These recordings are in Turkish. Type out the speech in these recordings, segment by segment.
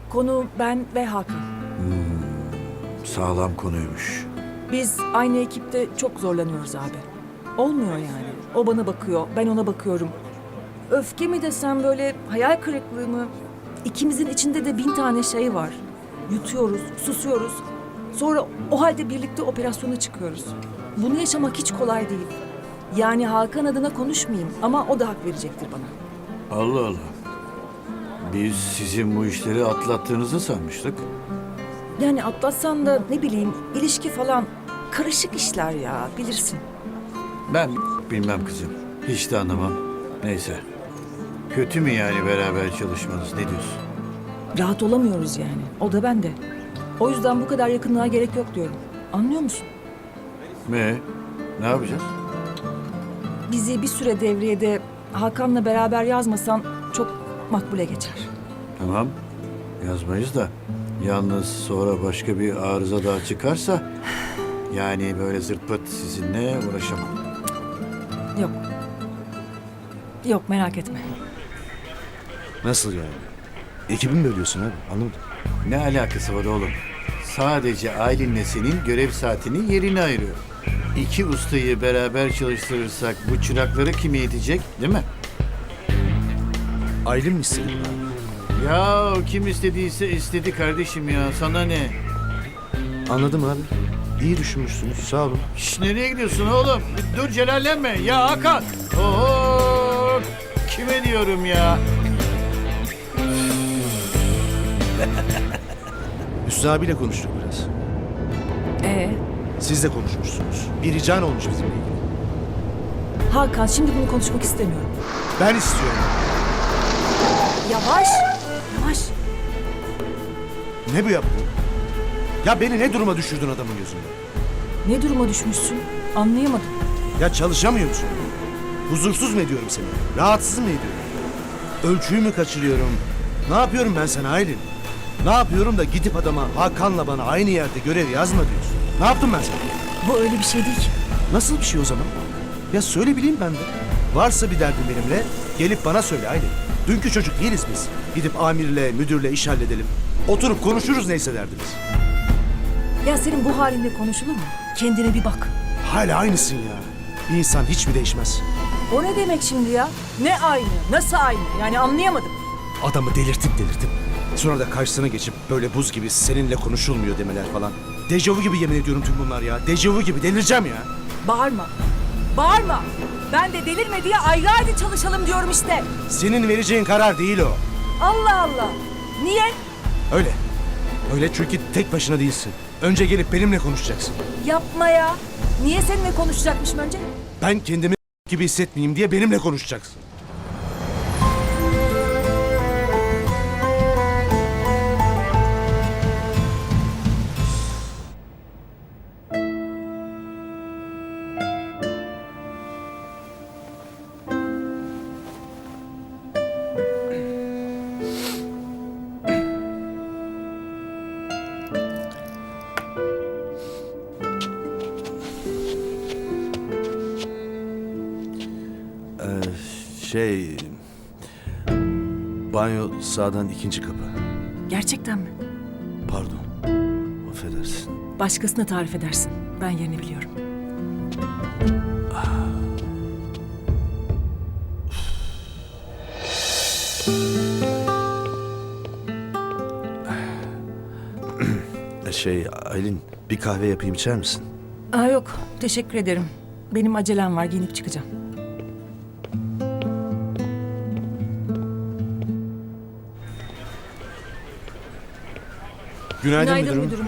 Konu ben ve Hakan. Sağlam konuymuş. Biz aynı ekipte çok zorlanıyoruz abi. Olmuyor yani. O bana bakıyor, ben ona bakıyorum. Öfke mi desem böyle hayal kırıklığı mı? İkimizin içinde de 1000 tane şey var. Yutuyoruz, susuyoruz. Sonra o halde birlikte operasyona çıkıyoruz. Bunu yaşamak hiç kolay değil. Yani Hakan adına konuşmayayım ama o da hak verecektir bana. Allah Allah. Biz sizin bu işleri atlattığınızı sanmıştık. Yani atlatsan da ne bileyim ilişki falan karışık işler ya bilirsin. Ben bilmem kızım. Hiç de anlamam. Neyse. Kötü mü yani beraber çalışmanız? Ne diyorsun? Rahat olamıyoruz yani. O da ben de. O yüzden bu kadar yakınlığa gerek yok diyorum. Anlıyor musun? Ne yapacağız? Bizi bir süre devriyede Hakan'la beraber yazmasan çok makbule geçer. Tamam. Yazmayız da. Yalnız sonra başka bir arıza daha çıkarsa... Yani böyle zırt pırt sizinle uğraşamam. Yok. Yok merak etme. Nasıl yani? Ekibi mi bölüyorsun abi? Anlamadım. Ne alakası var oğlum? Sadece Aylin'le senin görev saatini yerini ayırıyor. İki ustayı beraber çalıştırırsak bu çırakları kim eğitecek, değil mi? Aylin mi istedi bunu abi? Ya kim istediyse istedi kardeşim ya. Sana ne? Anladım abi. İyi düşünmüşsünüz. Sağ olun. Şş, nereye gidiyorsun oğlum? Dur celallenme. Ya Hakan. Oo, kime diyorum ya? Hüsnü abiyle konuştuk biraz. Siz de konuşmuşsunuz. Bir rican olmuş bizimle ilgili. Hakan şimdi bunu konuşmak istemiyorum. Ben istiyorum. Yavaş. Yavaş. Ne bu yaptın? Ya beni ne duruma düşürdün adamın gözünde? Ne duruma düşmüşsün? Anlayamadım. Ya çalışamıyor musun? Huzursuz mu ediyorum seni? Rahatsız mı ediyorum? Ölçüyü mü kaçırıyorum? Ne yapıyorum ben sana Aylin? Ne yapıyorum da gidip adama Hakan'la bana aynı yerde görev yazma diyorsun? Ne yaptım ben sana? Bu öyle bir şey değil ki. Nasıl bir şey o zaman? Ya söyle bileyim ben de. Varsa bir derdin benimle gelip bana söyle Aylin. Dünkü çocuk değiliz biz. Gidip amirle, müdürle iş halledelim. Oturup konuşuruz neyse derdimiz. Ya senin bu halinle konuşulur mu? Kendine bir bak. Hala aynısın ya. Bir insan hiç mi değişmez? O ne demek şimdi ya? Ne aynı? Nasıl aynı? Yani anlayamadım. Adamı delirtip. Sonra da karşısına geçip böyle buz gibi seninle konuşulmuyor demeler falan. Dejavu gibi yemin ediyorum tüm bunlar ya. Dejavu gibi delireceğim ya. Bağırma. Bağırma. Ben de delirme diye ayrı ayrı çalışalım diyorum işte. Senin vereceğin karar değil o. Allah Allah. Niye? Öyle. Öyle çünkü tek başına değilsin. Önce gelip benimle konuşacaksın. Yapma ya. Niye seninle konuşacakmışım önce? Ben kendimi gibi hissetmeyeyim diye benimle konuşacaksın. Banyo sağdan ikinci kapı. Gerçekten mi? Pardon. Affedersin. Başkasına tarif edersin. Ben yerini biliyorum. Aylin bir kahve yapayım içer misin? Aa yok. Teşekkür ederim. Benim acelem var. Giyinip çıkacağım. Günaydın, müdürüm.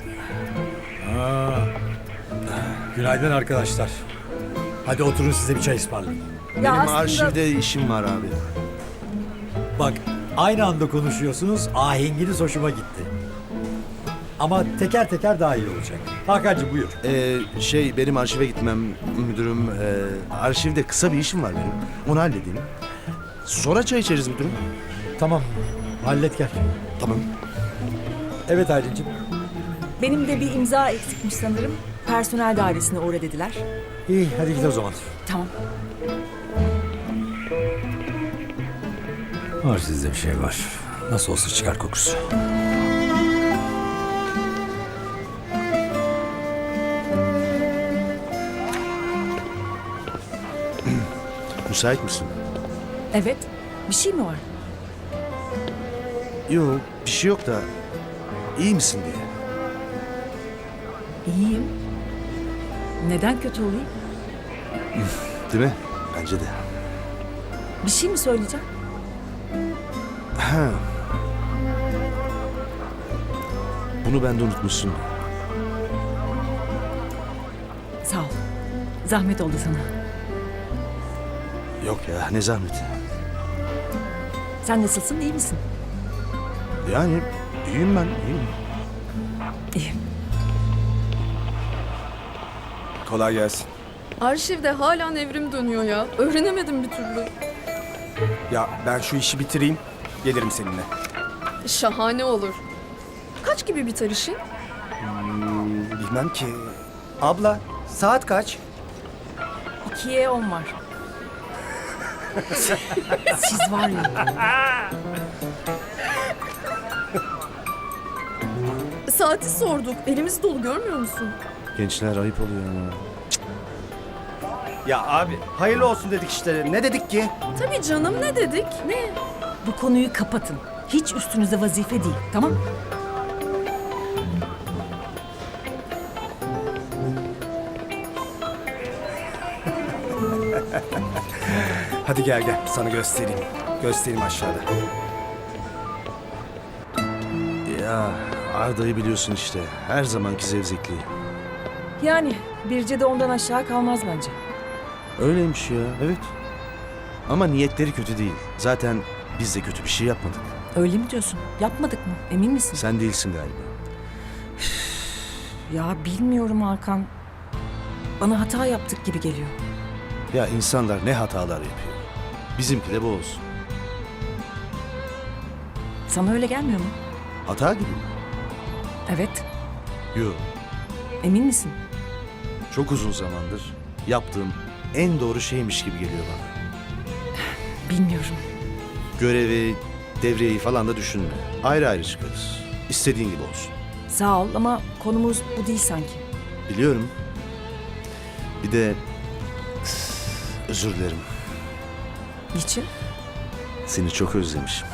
Günaydın arkadaşlar. Hadi oturun size bir çay ısmarlayayım. Ya Benim aslında- arşivde işim var abi. Bak aynı anda konuşuyorsunuz. Ahenginiz hoşuma gitti. Ama teker teker daha iyi olacak. Hakan'cığım buyur. Benim arşive gitmem müdürüm. Arşivde kısa bir işim var benim. Onu halledeyim. Sonra çay içeriz müdürüm. Tamam hallet gel. Tamam. Evet Aylin'cim. Benim de bir imza eksikmiş sanırım. Personel dairesine uğra dediler. İyi hadi git o zaman. Tamam. Var sizde bir şey var. Nasıl olsa çıkar kokusu. Müsait misin? Evet. Bir şey mi var? Yok, bir şey yok da iyi misin diye. İyiyim. Neden kötü olayım? Değil mi? Bence de. Bir şey mi söyleyeceğim? Ha. Bunu ben de unutmuşsun. Sağ ol. Zahmet oldu sana. Yok ya, ne zahmeti. Sen nasılsın? İyi misin? Yani iyiyim ben, iyiyim. İyiyim. Kolay gelsin. Arşivde hala nevrim dönüyor ya. Öğrenemedim bir türlü. Ya ben şu işi bitireyim, gelirim seninle. Şahane olur. Kaç gibi biter işin? Bilmem ki. Abla, saat kaç? 2'ye 10 var. Siz var ya. Saati sorduk. Elimiz dolu görmüyor musun? Gençler ayıp oluyor ama. Ya abi, hayırlı olsun dedik işte. Ne dedik ki? Tabii canım, ne dedik? Ne? Bu konuyu kapatın. Hiç üstünüze vazife değil. Tamam? Hadi gel gel, sana göstereyim. Göstereyim aşağıda. Ya Arda'yı biliyorsun işte. Her zamanki zevzekliği. Yani Birce de ondan aşağı kalmaz bence. Öyleymiş ya, evet. Ama niyetleri kötü değil. Zaten biz de kötü bir şey yapmadık. Öyle mi diyorsun? Yapmadık mı? Emin misin? Sen değilsin galiba. Ya bilmiyorum Hakan. Bana hata yaptık gibi geliyor. Ya insanlar ne hatalar yapıyor. Bizimki de bu olsun. Sana öyle gelmiyor mu? Hata gibi mi? Evet. Yok. Emin misin? Çok uzun zamandır yaptığım en doğru şeymiş gibi geliyor bana. Bilmiyorum. Görevi, devreyi falan da düşünme. Ayrı ayrı çıkarız. İstediğin gibi olsun. Sağ ol ama konumuz bu değil sanki. Biliyorum. Bir de özür dilerim. Niçin? Seni çok özlemişim.